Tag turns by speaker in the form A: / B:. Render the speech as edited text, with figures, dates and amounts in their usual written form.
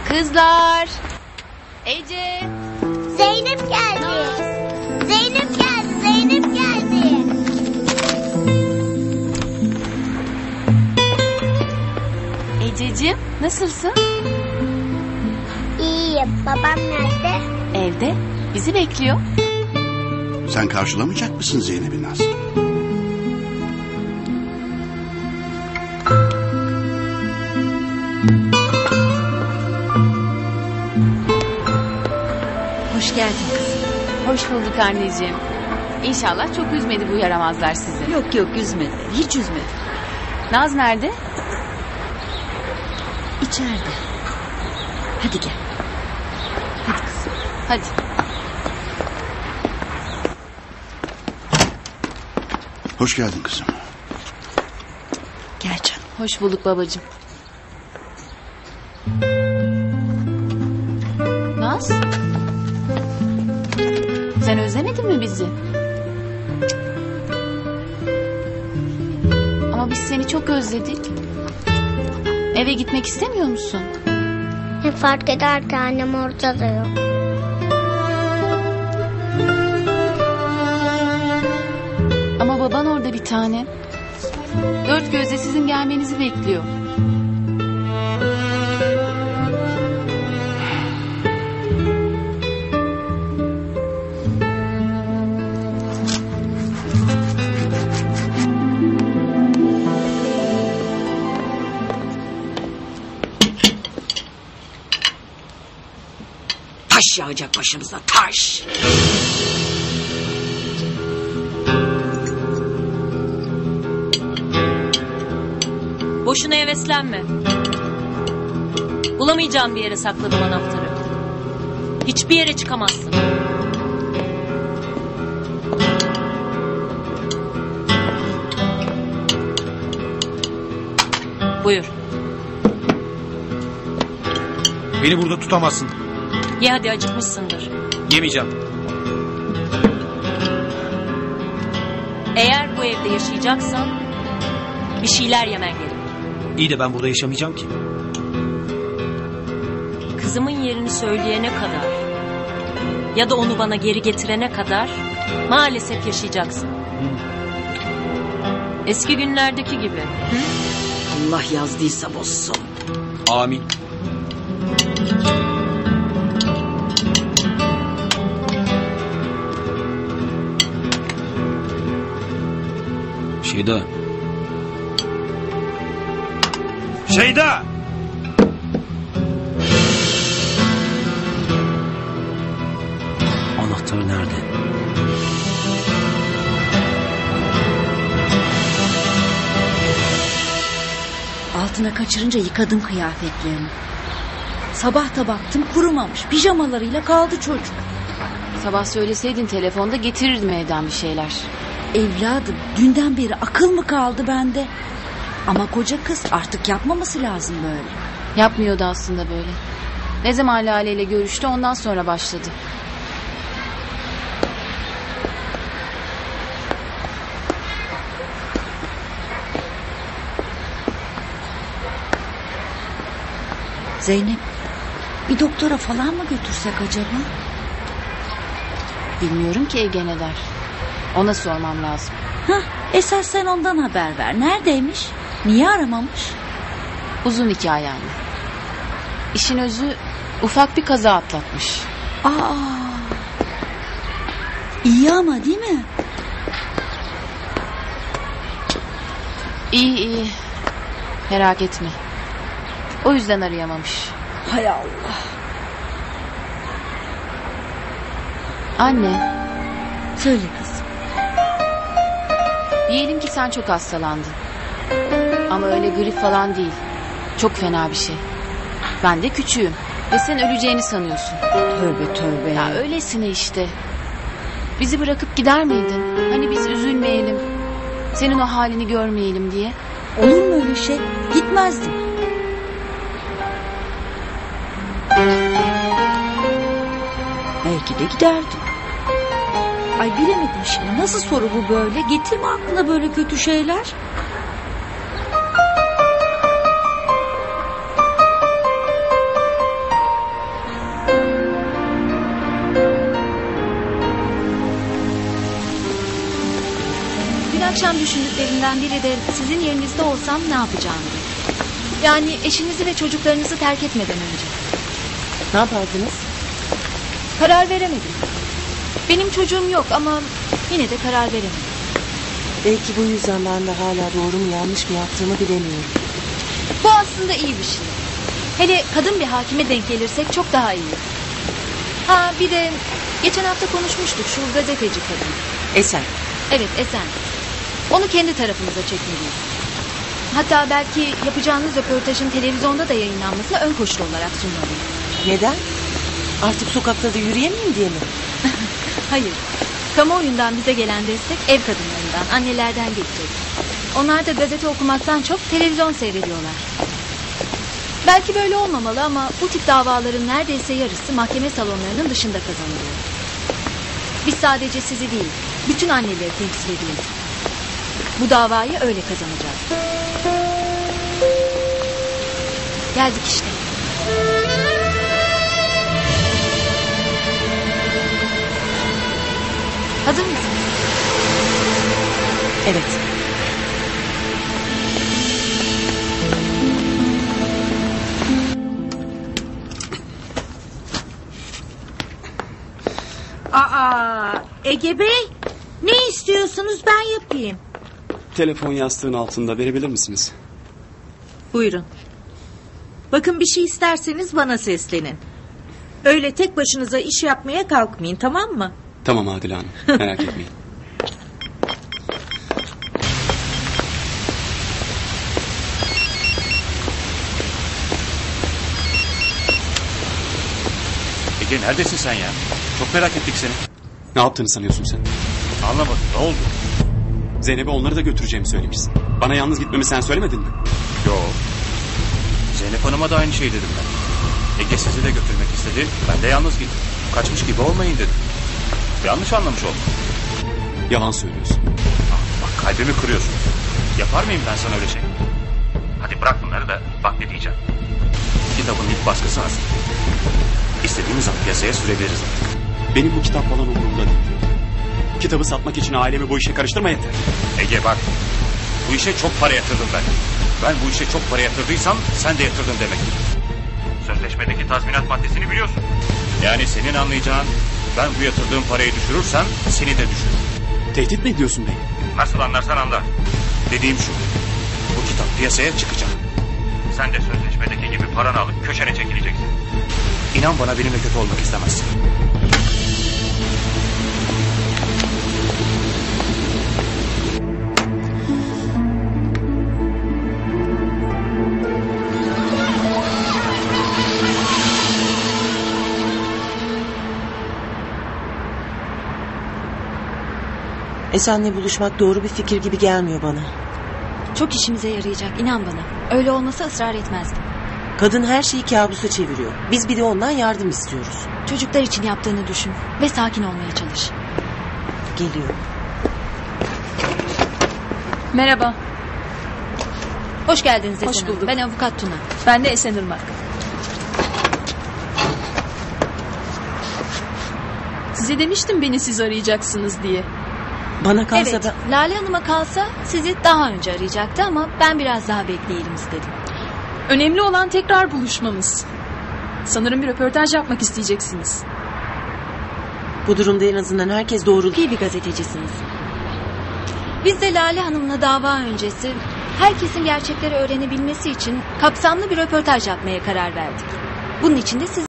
A: Kızlar. Ece.
B: Zeynep geldi. Zeynep geldi. Zeynep geldi.
A: Ececiğim, nasılsın?
B: İyiyim. Babam nerede?
A: Evde. Bizi bekliyor.
C: Sen karşılamayacak mısın Zeynep'i Naz?
D: Hoş geldin kızım.
A: Hoş bulduk anneciğim. İnşallah çok üzmedi bu yaramazlar sizi.
D: Yok üzmedi. Hiç üzmedi.
A: Naz nerede?
D: İçeride. Hadi gel. Hadi kızım.
A: Hadi.
C: Hoş geldin kızım.
D: Gel canım.
A: Hoş bulduk babacığım. Naz? Sen özlemedin mi bizi? Ama biz seni çok özledik. Eve gitmek istemiyor musun?
B: Ne fark eder ki annem ortada yok.
A: Ama baban orada bir tane. Dört gözle sizin gelmenizi bekliyor.
D: Taş yağacak başımıza, taş.
E: Boşuna heveslenme. Bulamayacağım bir yere sakladım anahtarı. Hiçbir yere çıkamazsın. Buyur.
F: Beni burada tutamazsın.
E: Ye hadi, acıkmışsındır.
F: Yemeyeceğim.
E: Eğer bu evde yaşayacaksan bir şeyler yemen gerek.
F: İyi de ben burada yaşamayacağım ki.
E: Kızımın yerini söyleyene kadar ya da onu bana geri getirene kadar maalesef yaşayacaksın. Eski günlerdeki gibi.
D: Allah yazdıysa bozsun.
F: Amin. Şeyda. Şeyda! Anahtar nerede?
D: Altına kaçırınca yıkadım kıyafetlerini. Sabah da baktım kurumamış. Pijamalarıyla kaldı çocuk.
A: Sabah söyleseydin telefonda getirirdim evden bir şeyler.
D: Evladım, dünden beri akıl mı kaldı bende? Ama koca kız, artık yapmaması lazım böyle.
A: Yapmıyordu aslında böyle. Ne zaman Lale ile görüştü, ondan sonra başladı.
D: Zeynep, bir doktora falan mı götürsek acaba?
A: Bilmiyorum ki Ege ne der. Ona sormam lazım.
D: Hah, esas sen ondan haber ver. Neredeymiş? Niye aramamış?
A: Uzun hikaye yani. İşin özü, ufak bir kaza atlatmış.
D: Aa, iyi ama değil mi?
A: İyi. Merak etme. O yüzden arayamamış.
D: Hay Allah.
A: Anne,
D: Söyle kızım.
A: diyelim ki sen çok hastalandın. Ama öyle grip falan değil. Çok fena bir şey. Ben de küçüğüm. Ve sen öleceğini sanıyorsun.
D: Tövbe tövbe.
A: Ya öylesine işte. Bizi bırakıp gider miydin? Hani biz üzülmeyelim. Senin o halini görmeyelim diye.
D: Olur mu öyle şey? Gitmezdim. Belki de giderdim. Ay bilemedim şimdi. Nasıl soru bu böyle? Getirme aklına böyle kötü şeyler.
G: akşam düşündüklerimden biri de sizin yerinizde olsam ne yapacağımdı. Yani eşinizi ve çocuklarınızı terk etmeden önce.
H: Ne yapardınız?
G: Karar veremedim. Benim çocuğum yok ama yine de karar veremedim.
H: Belki bu yüzden ben de hala doğru mu yanlış mı yaptığımı bilemiyorum.
G: Bu aslında iyi bir şey. Hele kadın bir hakime denk gelirsek çok daha iyi. Ha bir de geçen hafta konuşmuştuk şu gazeteci kadın.
H: Esen.
G: Evet Esen. Onu kendi tarafımıza çekmeliyiz. Hatta belki yapacağınız röportajın televizyonda da yayınlanmasına ön koşul olarak sunmalıyız.
H: Neden? Artık sokakta da yürüyemeyeyim diye mi?
G: Hayır. Kamuoyundan bize gelen destek ev kadınlarından, annelerden gelecek. Onlar da gazete okumaktan çok televizyon seyrediyorlar. Belki böyle olmamalı ama bu tip davaların neredeyse yarısı mahkeme salonlarının dışında kazanılıyor. Biz sadece sizi değil, bütün anneleri temsil ediyoruz. Bu davayı öyle kazanacağız. Geldik işte. Hazır mısın?
H: Evet.
D: Ege Bey, ne istiyorsunuz ben yapayım.
I: Telefon yastığın altında verebilir misiniz?
D: Buyurun. Bakın bir şey isterseniz bana seslenin. Öyle tek başınıza iş yapmaya kalkmayın, tamam mı?
I: Tamam Adile Hanım, merak etmeyin.
F: Ege neredesin sen ya? Çok merak ettik seni.
I: Ne yaptığını sanıyorsun sen?
F: Anlamadım, ne oldu?
I: Zeynep'e onları da götüreceğimi söylemişsin. Bana yalnız gitmemi sen söylemedin mi?
F: Yo. Zeynep Hanım'a da aynı şey dedim ben. Ege sizi de götürmek istedi. Ben de yalnız gittim. Kaçmış gibi olmayın dedim. Yanlış anlamış oldum.
I: Yalan söylüyorsun.
F: Bak kalbimi kırıyorsun. Yapar mıyım ben sana öyle şey? Hadi bırak bunları da bak ne diyeceğim. Kitabın ilk baskısı hazır. İstediğimiz zaman piyasaya sürebiliriz artık.
I: Benim bu kitap falan umurumda değil. Kitabı satmak için ailemi bu işe karıştırma yeter.
F: Ege bak. Bu işe çok para yatırdım ben. Ben bu işe çok para yatırdıysam sen de yatırdın demektir. Sözleşmedeki tazminat maddesini biliyorsun. Yani senin anlayacağın ben bu yatırdığım parayı düşürürsem seni de düşürür.
I: Tehdit mi ediyorsun beni?
F: Nasıl anlarsan anla. Dediğim şu. Bu kitap piyasaya çıkacak. Sen de sözleşmedeki gibi paranı alıp köşene çekileceksin. İnan bana benimle kötü olmak istemezsin.
H: Esen'le buluşmak doğru bir fikir gibi gelmiyor bana.
G: Çok işimize yarayacak, inan bana. Öyle olmasa ısrar etmezdim.
H: Kadın her şeyi kabusa çeviriyor. Biz bir de ondan yardım istiyoruz.
G: Çocuklar için yaptığını düşün ve sakin olmaya çalış.
H: Geliyor.
G: Merhaba. Hoş geldiniz Esen
A: Hoş
G: Hanım.
A: bulduk.
G: Ben avukat Tuna.
A: Ben de Esen Irmak. Size demiştim beni siz arayacaksınız diye.
H: Bana kalsa
G: Evet,
H: da...
G: Lale Hanım'a kalsa sizi daha önce arayacaktı ama ben biraz daha bekleyelim istedim.
A: Önemli olan tekrar buluşmamız. Sanırım bir röportaj yapmak isteyeceksiniz.
H: Bu durumda en azından herkes doğru...
G: İyi bir gazetecisiniz. Biz de Lale Hanım'la dava öncesi herkesin gerçekleri öğrenebilmesi için kapsamlı bir röportaj yapmaya karar verdik. Bunun için de siz